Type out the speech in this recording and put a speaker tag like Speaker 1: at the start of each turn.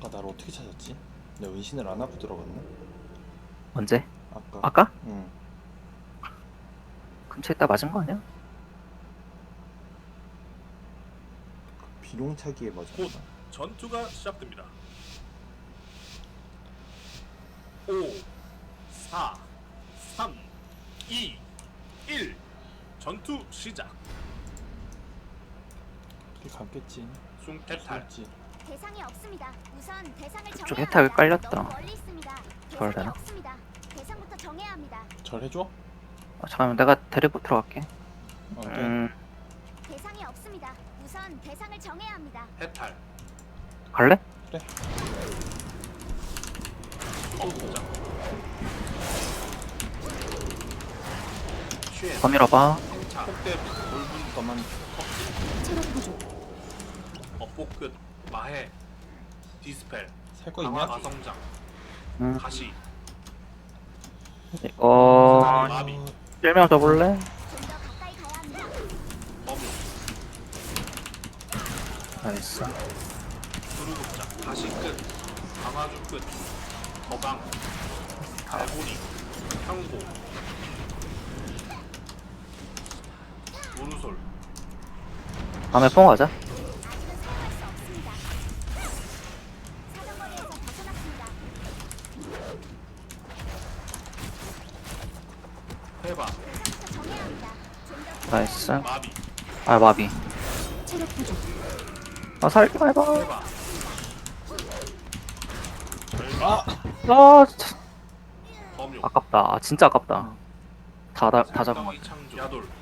Speaker 1: 나를 어떻게 찾았지? 내가 은신을 안 하고 들어갔나?
Speaker 2: 언제?
Speaker 1: 아까.
Speaker 2: 아까?
Speaker 1: 응.
Speaker 2: 근처에 있다 맞은 거 아니야?
Speaker 1: 비룡차기에 맞았나?
Speaker 3: 곧 전투가 시작됩니다. 5, 4, 3, 2, 1. 전투 시작.
Speaker 1: 이렇게 감겠지.
Speaker 3: 숨탈.
Speaker 1: 지
Speaker 4: 대상이 없습니다. 우선 대상을
Speaker 2: 그쪽
Speaker 4: 정해야
Speaker 2: 해탈
Speaker 4: 합니다.
Speaker 2: 깔렸다.
Speaker 4: 너무 멀리 있습니다.
Speaker 2: 저럴
Speaker 4: 대상이
Speaker 2: 되나?
Speaker 4: 없습니다. 대상부터 정해야 합니다.
Speaker 1: 절 해줘?
Speaker 2: 잠깐만 내가 데리고 들어갈게.
Speaker 1: 오케이.
Speaker 4: 대상이 없습니다. 우선 대상을 정해야 합니다.
Speaker 3: 해탈.
Speaker 2: 갈래?
Speaker 3: 수도극장. 쉐.
Speaker 2: 더 밀어봐.
Speaker 3: 차. 폭대. 돌분.
Speaker 1: 너만
Speaker 4: 체력 부족.
Speaker 3: 업복 끝. 마해. 디스펠.
Speaker 1: 살 거
Speaker 3: 강화
Speaker 1: 있냐?
Speaker 3: 가성장.
Speaker 2: 응.
Speaker 3: 가시. 마비.
Speaker 2: 1명 더 볼래?
Speaker 4: 좀 더 가까이 가야 합니다.
Speaker 3: 범용.
Speaker 2: 나이스.
Speaker 3: 두루극장. 가시 끝. 강화주 끝. 거강. 갈고리. 향고. 무르솔.
Speaker 2: 다음에 뽕 가자.
Speaker 4: 아직은 사용할 수 없습니다. 사정거리에서 벗어났습니다.
Speaker 3: 해바.
Speaker 4: 대상부터 정해야 합니다. 좀더
Speaker 2: 나이스.
Speaker 3: 마비.
Speaker 2: 아 마비.
Speaker 4: 체력 부족.
Speaker 2: 아 살기만 해봐.
Speaker 3: 해바.
Speaker 1: 아!
Speaker 2: 아 진짜
Speaker 3: 범용.
Speaker 2: 아깝다. 아 진짜 아깝다. 다 잡은 거.
Speaker 3: 창조. 야돌.